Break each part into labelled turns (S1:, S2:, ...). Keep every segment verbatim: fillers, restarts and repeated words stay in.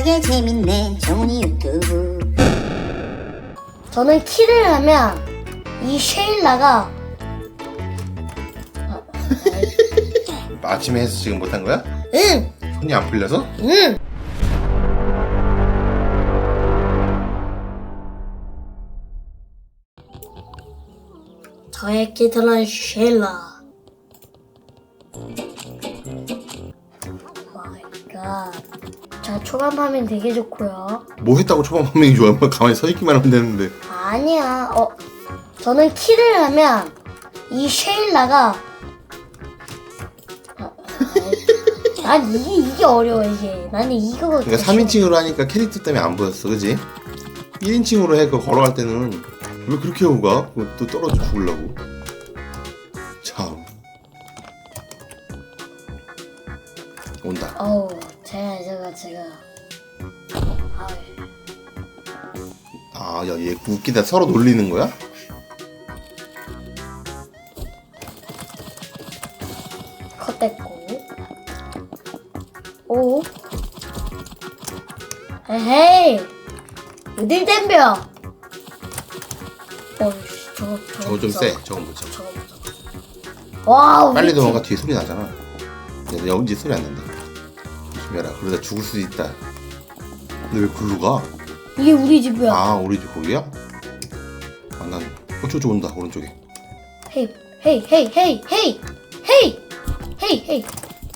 S1: 신나게 재밌네 종이 유튜브.
S2: 저는 키를 하면 이 쉐일라가
S3: 아침에 해서 지금 못한 거야?
S2: 응!
S3: 손이 안 풀려서?
S2: 응! 저의 키들은 쉐일라. 마이 갓. 자, 초반 파밍 되게 좋고요.
S3: 뭐 했다고 초반 판명이 좋아? 뭐 가만히 서 있기만 하면 되는데.
S2: 아니야. 어, 저는 키를 하면 이 쉐일라가 아, 아이, 난 이게 이게 어려워 이게. 나는 이거가
S3: 그러니까 삼인칭으로 하니까 캐릭터 때문에 안 보였어, 그지? 일인칭으로 해, 그거 걸어갈 때는 왜 그렇게 하고 가? 그거 또 떨어져 죽으려고. 참. 온다.
S2: 어우, 제가 제가 제가 아이,
S3: 아, 야, 얘 웃기다. 서로 놀리는 거야?
S2: 컷됐고. 오. 에헤이. 어딜 댐벼. 어이씨, 저거 저거
S3: 저거 좀 세. 저건 못
S2: 저거
S3: 쳐.
S2: 저거. 와우.
S3: 빨리
S2: 우리 팀-
S3: 도망가. 뒤에 소리 나잖아. 근데 여기 소리 안 난다. 조심해라. 그러다 죽을 수도 있다. 근데 왜 글로 가?
S2: 이게 우리 집이야.
S3: 아, 우리 집 거기야? 아, 난, 어, 저쪽 온다, 오른쪽에.
S2: 헤이 헤이 헤이 헤이 헤이 헤이 헤이 헤이.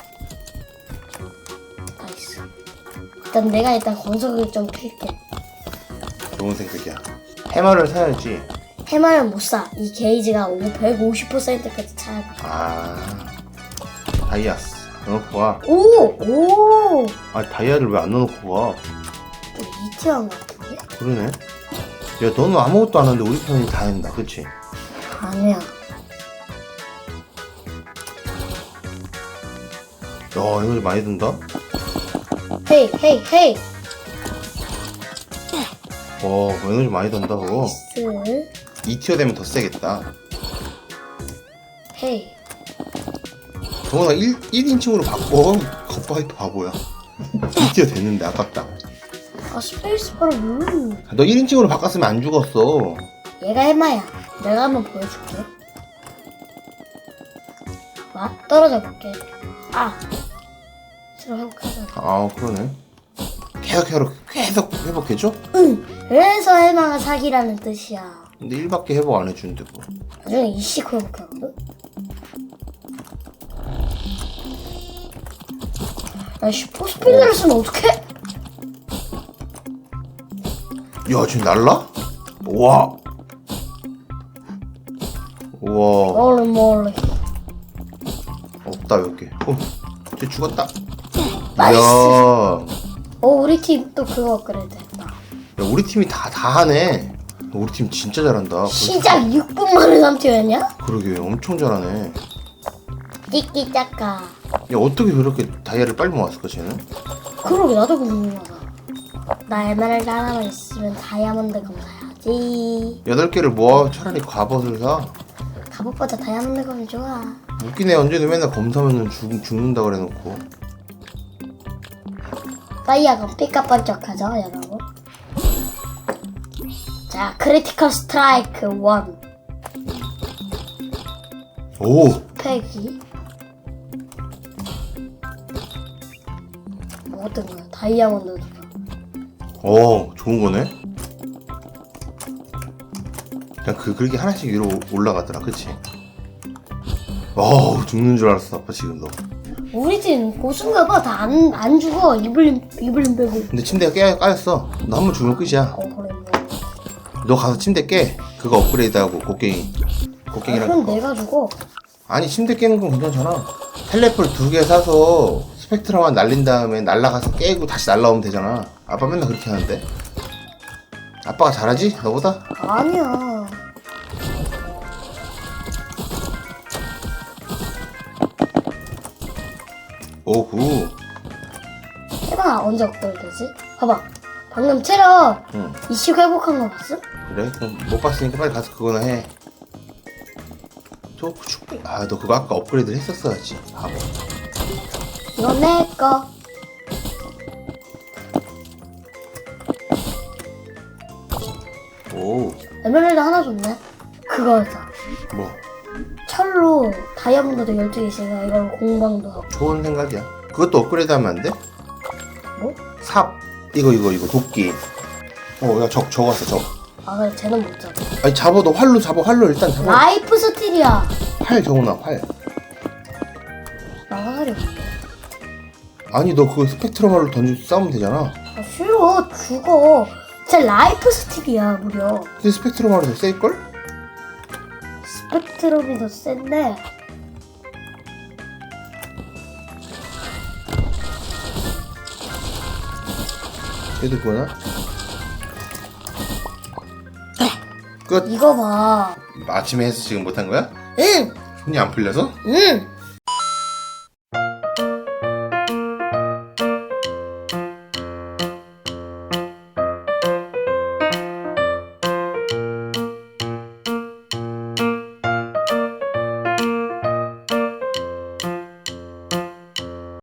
S2: 나이스. 일단 내가 일단 건석을 좀 캘게.
S3: 좋은 생각이야. 해마를 사야지.
S2: 해마를 못 사. 이 게이지가 백오십 퍼센트까지 차야 돼.
S3: 아, 다이아스. 넣어놓고 와.
S2: 오! 오!
S3: 아, 다이아를 왜 안 넣어놓고 와?
S2: 또 이티한 것 같은데?
S3: 그러네. 야, 너는 아무것도 안 하는데 우리 편이 다 한다, 그치?
S2: 아니야.
S3: 야, 이거 많이 든다?
S2: 헤이 헤이 헤이.
S3: 와, 에너지 많이 든다, 그거.
S2: 스.
S3: 이 티어 되면 더 세겠다.
S2: 헤이.
S3: 정원아 일, 일인칭으로 바꿔. 겉바이트 바보야. 이 티어 됐는데 아깝다.
S2: 아 스페이스바를 누르.
S3: 너 일인칭으로 바꿨으면 안 죽었어.
S2: 얘가 해마야. 내가 한번 보여줄게. 봐. 떨어져 볼게. 아. 싫어 회복하자.
S3: 아, 그러네. 계속 회복, 계속 회복해줘?
S2: 응. 그래서 해마가 사기라는 뜻이야.
S3: 근데 일밖에 회복 안 해주는데 뭐.
S2: 나중에 이씩 회복하거든. 야, 슈퍼 스피드를 쓰면 어떡해?
S3: 야, 지금 날라? 우와. 우와.
S2: 멀리 멀리.
S3: 없다, 몇 개. 어, 쟤 죽었다.
S2: 나이스.
S3: 이야.
S2: 어, 우리 팀 또 그거 업그레이드 했다.
S3: 야, 우리 팀이 다, 다 하네. 우리 팀 진짜 잘한다.
S2: 시작 육 분 만에 삼 티어였냐?
S3: 그러게, 엄청 잘하네.
S2: 띠끼 짜까.
S3: 야, 어떻게 그렇게 다이아를 빨리 모았을까, 쟤는?
S2: 그러게, 나도 궁금하다. 나 에메랄드 하나만 있으면 다이아몬드 검 사야지.
S3: 여덟 개를 모아 차라리 갑옷을 사.
S2: 갑옷보다 다이아몬드 검이 좋아.
S3: 웃기네, 언제는 맨날 검사면은 죽, 죽는다 그래놓고.
S2: 다이아가 삐까번쩍하죠, 여러분? 자, 크리티컬 스트라이크 일.
S3: 오!
S2: 패기. 뭐 어떤 거야? 다이아몬드 줘.
S3: 어, 좋은 거네? 그냥 그, 그렇게 하나씩 위로 올라가더라, 그치? 어우, 죽는 줄 알았어, 아빠 지금 너.
S2: 우리 팀 고수인가 봐. 다 안 안 죽어. 이블린 이블린 빼고.
S3: 근데 침대가 깨, 까였어. 너 한 번 죽으면 끝이야.
S2: 어 그래 뭐.
S3: 너 가서 침대 깨. 그거 업그레이드하고, 곡괭이.
S2: 아,
S3: 곡괭이랑
S2: 그럼
S3: 그거.
S2: 내가 죽어.
S3: 아니, 침대 깨는 건 괜찮잖아. 텔레폴 두 개 사서 스펙트럼만 날린 다음에 날라가서 깨고 다시 날라오면 되잖아. 아빠 맨날 그렇게 하는데. 아빠가 잘하지? 너보다?
S2: 아니야.
S3: 오구.
S2: 해봐 언제 업그레이드지? 봐봐. 방금 체력
S3: 응.
S2: 이씩 회복한 거 봤어?
S3: 그래? 그럼 못 봤으니까 빨리 가서 그거나 해. 저 충분히. 아, 너 그거 아까 업그레이드를 했었어야지. 바보.
S2: 이건 내 거.
S3: 오,
S2: 에메랄드 하나 줬네. 그거였어.
S3: 뭐
S2: 철로 다이아몬드도 열두 개 있으니까 이걸 공방도 하고.
S3: 좋은 생각이야. 그것도 업그레이드 하면 안 돼?
S2: 뭐?
S3: 삽 이거 이거 이거 도끼. 어, 야, 적 적었어 적.
S2: 아 그래 쟤는 못 잡아.
S3: 아니 잡아, 너 활로 잡아. 활로 일단 잡아.
S2: 라이프 스틸이야.
S3: 활 정훈아, 활.
S2: 나 화살이 없네.
S3: 아니 너 그거 스펙트럼 활로 던지고 싸우면 되잖아.
S2: 아 싫어 죽어. 진짜 라이프 스틸이야 무려.
S3: 근데 스펙트럼 활로 더 셀걸?
S2: 스펙트럼이 더 센데
S3: 얘도 그거나? 끝.
S2: 이거 봐.
S3: 아침에 해서 지금 못한 거야?
S2: 응.
S3: 손이 안 풀려서?
S2: 응.